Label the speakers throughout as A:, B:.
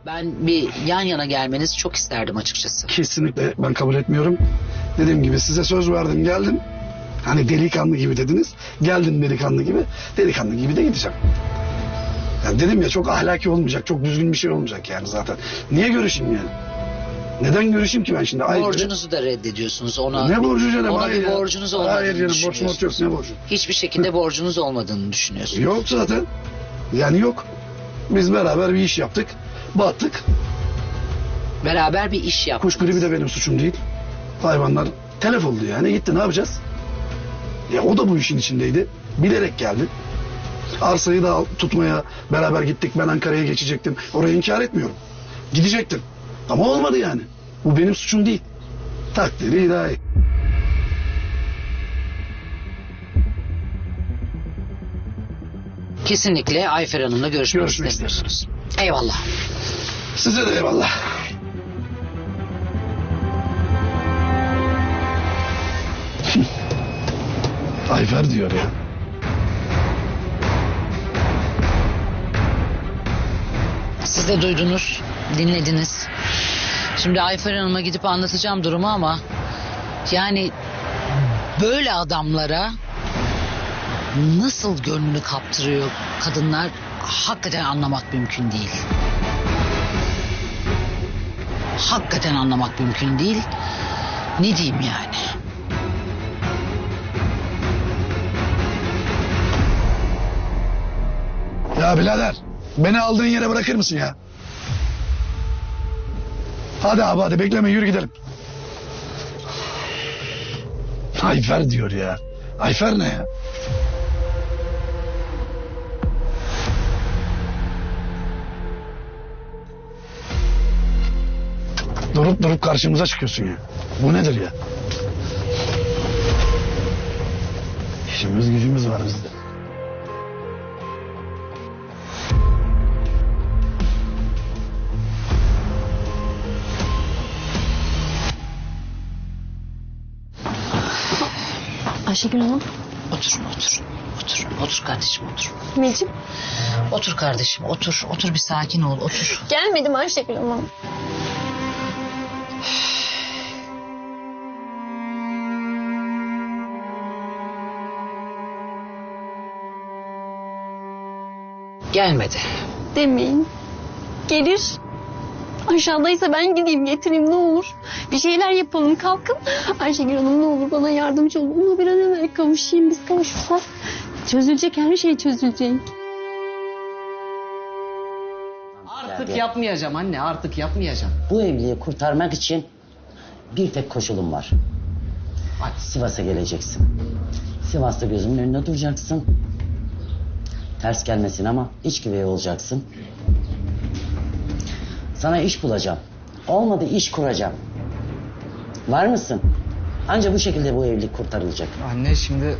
A: Ben bir yan yana gelmenizi çok isterdim açıkçası.
B: Kesinlikle ben kabul etmiyorum. Dediğim gibi size söz verdim, geldim. Hani delikanlı gibi dediniz. Geldim delikanlı gibi. Delikanlı gibi de gideceğim. Yani dedim ya, çok ahlaki olmayacak, çok düzgün bir şey olmayacak yani zaten. Niye görüşeyim yani? Neden görüşeyim ki ben şimdi?
A: Borcunuzu da reddediyorsunuz ona.
B: Ne borcu canım?
A: Ona
B: Hayır
A: bir
B: ya.
A: borcunuz olmadığını
B: Hayır canım, borç yok,
A: düşünüyorsunuz.
B: ne borcu?
A: Hiçbir şekilde borcunuz olmadığını düşünüyorsunuz.
B: Yok zaten. Yani yok. Biz beraber bir iş yaptık. Battık.
A: Beraber bir iş yaptınız.
B: Kuş gribi de benim suçum değil. Hayvanlar telef oldu yani. Gitti, ne yapacağız? Ya o da bu işin içindeydi. Bilerek geldi. Arsayı da tutmaya beraber gittik. Ben Ankara'ya geçecektim. Orayı inkar etmiyorum. Gidecektim. Ama olmadı yani. Bu benim suçum değil. Takdiri ilahi.
A: Kesinlikle Ayfer Hanım'la görüşmek
B: Görüşmek
A: istemiyorsunuz. Eyvallah.
B: Size de eyvallah. Ayfer diyor ya.
A: Siz de duydunuz, dinlediniz. Şimdi Ayfer Hanım'a gidip anlatacağım durumu ama... yani böyle adamlara nasıl gönlünü kaptırıyor kadınlar, hakikaten anlamak mümkün değil. Hakikaten anlamak mümkün değil. Ne diyeyim yani?
B: Ya birader, beni aldığın yere bırakır mısın ya? Hadi abi, hadi bekleme, yürü gidelim. Ayfer diyor ya. Ayfer ne ya? Durup durup karşımıza çıkıyorsun ya. Bu nedir ya? İşimiz gücümüz var bizde.
C: Ayşegül Hanım.
A: Otur, otur. Otur, otur kardeşim, otur.
C: Necip.
A: Otur kardeşim, otur. Otur, bir sakin ol, otur.
C: Gelmedim Ayşegül Hanım.
A: Gelmedi.
C: Demeyin. Gelir. Aşağıdaysa ben gideyim getireyim ne olur. Bir şeyler yapalım, kalkın. Ayşegül Hanım ne olur bana yardımcı olun. Ona bir an evvel kavuşayım. Biz kavuşursak çözülecek, her şey çözülecek.
D: Artık yapmayacağım anne, artık yapmayacağım.
E: Bu evliliği kurtarmak için bir tek koşulum var.
D: Hadi.
E: Sivas'a geleceksin. Sivas'ta gözümün önünde duracaksın. Ters gelmesin ama iç güvey olacaksın. Sana iş bulacağım. Olmadı iş kuracağım. Var mısın? Ancak bu şekilde bu evlilik kurtarılacak.
D: Anne şimdi...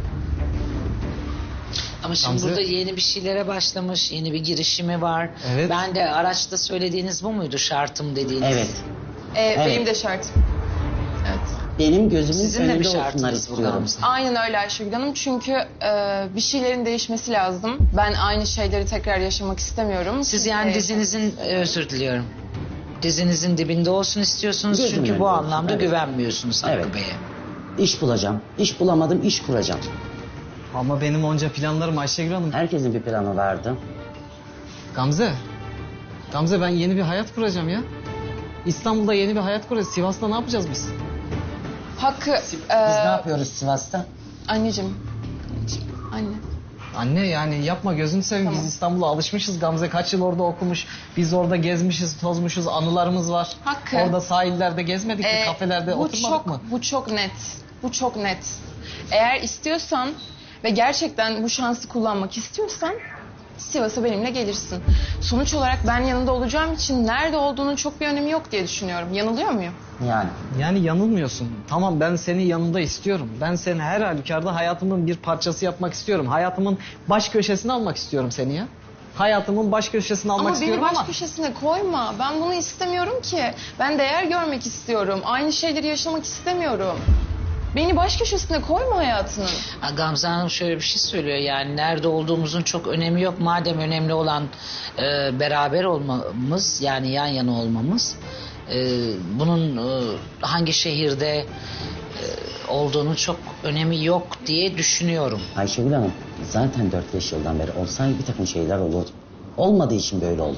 A: Ama şimdi
D: Gamze-
A: burada yeni bir şeylere başlamış, yeni bir girişimi var.
D: Evet.
A: Ben de araçta söylediğiniz bu muydu, şartım dediğiniz?
E: Evet.
F: Benim
E: Evet.
F: de şartım. Evet.
E: Benim gözümün
A: Sizin de bir
E: önünde olsunlar
A: şartınız bu
E: istiyorum.
A: Gamze.
F: Aynen öyle Ayşegül Hanım. Çünkü bir şeylerin değişmesi lazım. Ben aynı şeyleri tekrar yaşamak istemiyorum.
A: Siz yani dizinizin, özür diliyorum. Dizinizin dibinde olsun istiyorsunuz
E: Gözümün
A: çünkü
E: önünde
A: bu
E: olsun,
A: anlamda
E: evet.
A: güvenmiyorsunuz Hakkı
E: Evet.
A: Bey'e.
E: İş bulacağım. İş bulamadım, iş kuracağım.
D: Ama benim onca planlarım Ayşegül Hanım.
E: Herkesin bir planı vardı.
D: Gamze. Gamze ben yeni bir hayat kuracağım ya. İstanbul'da yeni bir hayat kuracağız. Sivas'ta ne yapacağız biz?
F: Hakkı...
E: Biz ne yapıyoruz Sivas'ta?
F: Anneciğim. Anne.
D: Anne yani yapma gözünü seveyim.
F: Tamam.
D: Biz İstanbul'a alışmışız. Gamze kaç yıl orada okumuş. Biz orada gezmişiz, tozmuşuz. Anılarımız var.
F: Hakkı.
D: Orada sahillerde gezmedik mi?
F: Ee,
D: Kafelerde
F: bu
D: oturmadık
F: çok,
D: mı?
F: Bu çok net. Bu çok net. Eğer istiyorsan ve gerçekten bu şansı kullanmak istiyorsan Sivas'a benimle gelirsin. Sonuç olarak ben yanında olacağım için nerede olduğunun çok bir önemi yok diye düşünüyorum. Yanılıyor muyum?
E: Yani.
D: Yani yanılmıyorsun. Tamam ben seni yanımda istiyorum. Ben seni her halükarda hayatımın bir parçası yapmak istiyorum. Hayatımın baş köşesine almak istiyorum seni ya. Hayatımın baş köşesine almak
F: Ama beni
D: istiyorum
F: baş
D: ama...
F: köşesine koyma. Ben bunu istemiyorum ki. Ben değer görmek istiyorum. Aynı şeyleri yaşamak istemiyorum. Beni baş köşesine koyma hayatının.
A: Gamze Hanım şöyle bir şey söylüyor, yani nerede olduğumuzun çok önemi yok. Madem önemli olan beraber olmamız, yani yan yana olmamız, bunun hangi şehirde olduğunu çok önemi yok diye düşünüyorum.
E: Ayşegül Hanım zaten 4-5 yıldan beri olsaydı bir takım şeyler olurdu. Olmadığı için böyle oldu.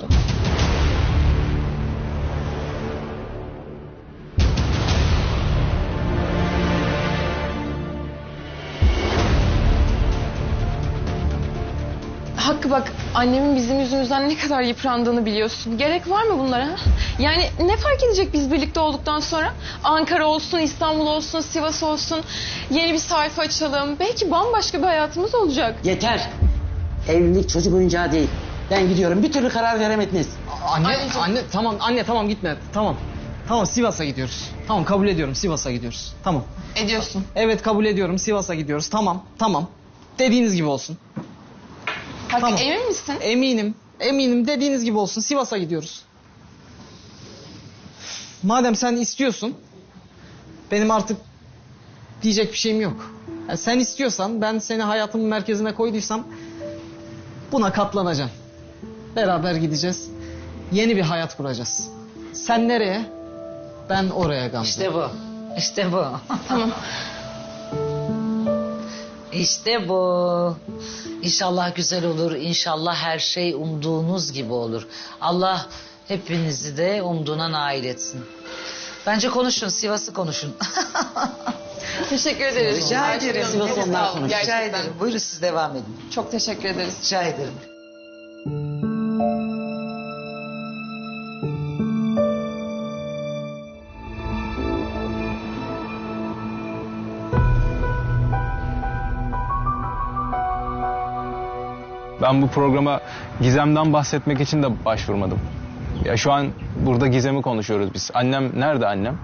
F: Hakkı bak, annemin bizim yüzümüzden ne kadar yıprandığını biliyorsun. Gerek var mı bunlara? Yani ne fark edecek biz birlikte olduktan sonra? Ankara olsun, İstanbul olsun, Sivas olsun. Yeni bir sayfa açalım. Belki bambaşka bir hayatımız olacak.
E: Yeter. Evlilik çocuk oyuncağı değil. Ben gidiyorum. Bir türlü karar veremediniz.
D: Anne tamam gitme. Tamam Sivas'a gidiyoruz. Tamam kabul ediyorum, Sivas'a gidiyoruz. Tamam.
F: Ediyorsun.
D: Evet kabul ediyorum, Sivas'a gidiyoruz. Tamam. Dediğiniz gibi olsun.
F: Hakkı
D: Tamam.
F: emin misin?
D: Eminim dediğiniz gibi olsun. Sivas'a gidiyoruz. Madem sen istiyorsun, benim artık diyecek bir şeyim yok. Yani sen istiyorsan, ben seni hayatımın merkezine koyduysam buna katlanacağım. Beraber gideceğiz. Yeni bir hayat kuracağız. Sen nereye? Ben oraya Gamze.
A: İşte bu.
F: Tamam.
A: İşte bu. İnşallah güzel olur. İnşallah her şey umduğunuz gibi olur. Allah hepinizi de umduğuna nail etsin. Bence konuşun, Sivas'ı konuşun.
F: Teşekkür ederiz.
A: Rica ederim.
E: Sivas
F: Çok
E: onlar
F: sağ olun,
E: konuşsun.
A: Rica
F: gerçekten.
A: ederim. Buyurun siz devam edin.
F: Çok teşekkür ederiz.
A: Rica ederim.
G: Ben bu programa Gizem'den bahsetmek için de başvurmadım. Ya şu an burada Gizem'i konuşuyoruz biz. Annem nerede annem?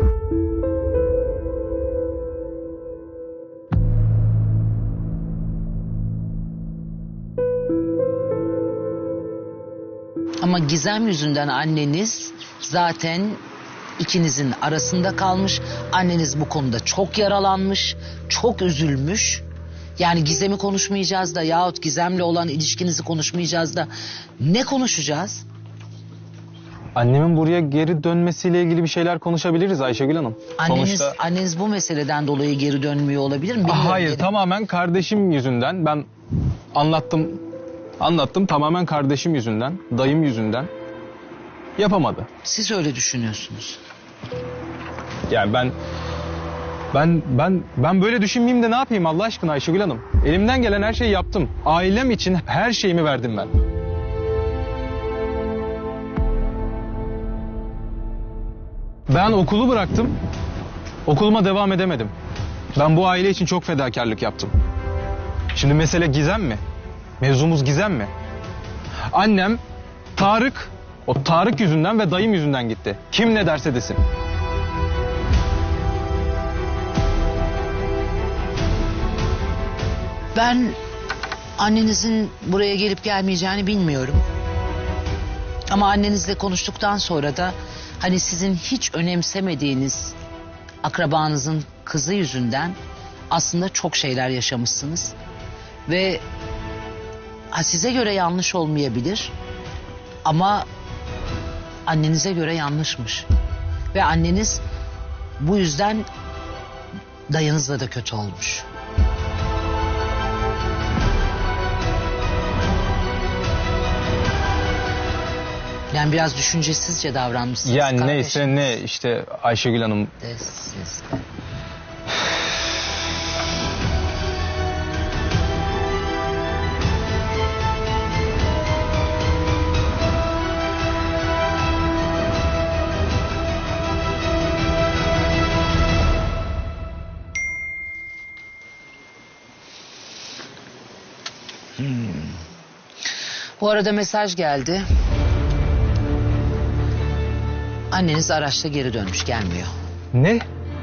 A: Ama Gizem yüzünden anneniz zaten ikinizin arasında kalmış. Anneniz bu konuda çok yaralanmış, çok üzülmüş. Yani Gizem'i konuşmayacağız da yahut Gizem'le olan ilişkinizi konuşmayacağız da ne konuşacağız?
G: Annemin buraya geri dönmesiyle ilgili bir şeyler konuşabiliriz Ayşegül Hanım.
A: Anneniz bu meseleden dolayı geri dönmüyor olabilir mi? Bilmiyorum.
G: Hayır,
A: Geri-
G: tamamen kardeşim yüzünden. Ben anlattım tamamen kardeşim yüzünden, dayım yüzünden yapamadı.
A: Siz öyle düşünüyorsunuz.
G: Yani ben böyle düşünmeyeyim de ne yapayım Allah aşkına Ayşegül Hanım? Elimden gelen her şeyi yaptım. Ailem için her şeyimi verdim ben. Ben okulu bıraktım. Okuluma devam edemedim. Ben bu aile için çok fedakarlık yaptım. Şimdi mesele Gizem mi? Mevzumuz Gizem mi? Annem o Tarık yüzünden ve dayım yüzünden gitti. Kim ne derse desin.
A: Ben annenizin buraya gelip gelmeyeceğini bilmiyorum. Ama annenizle konuştuktan sonra da hani sizin hiç önemsemediğiniz akrabanızın kızı yüzünden aslında çok şeyler yaşamışsınız. Ve size göre yanlış olmayabilir ama annenize göre yanlışmış. Ve anneniz bu yüzden dayınızla da kötü olmuş. Yani biraz düşüncesizce davranmışsınız.
G: Yani
A: kardeşiniz.
G: neyse ne işte Ayşegül Hanım.
A: Siz de. Bu arada mesaj geldi. Anneniz araçla geri dönmüş, gelmiyor.
G: Ne?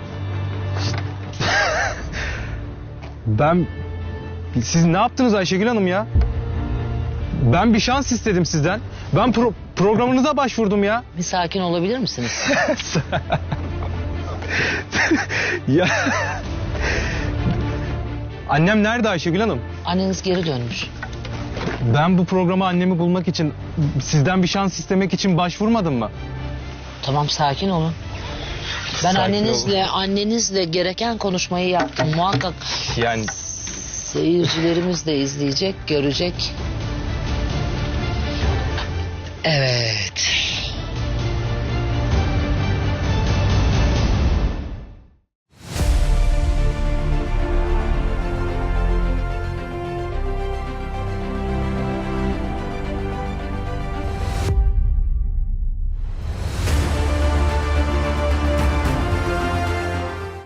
G: Siz ne yaptınız Ayşegül Hanım ya? Ben bir şans istedim sizden. Ben programınıza başvurdum ya.
A: Bir sakin olabilir misiniz?
G: Ya Annem nerede Ayşegül Hanım?
A: Anneniz geri dönmüş.
G: Ben bu programa annemi bulmak için, sizden bir şans istemek için başvurmadım mı?
A: Tamam, sakin olun. Ben
G: Sakin
A: annenizle gereken konuşmayı yaptım. Muhakkak
G: Yani
A: seyircilerimiz de izleyecek, görecek. Evet.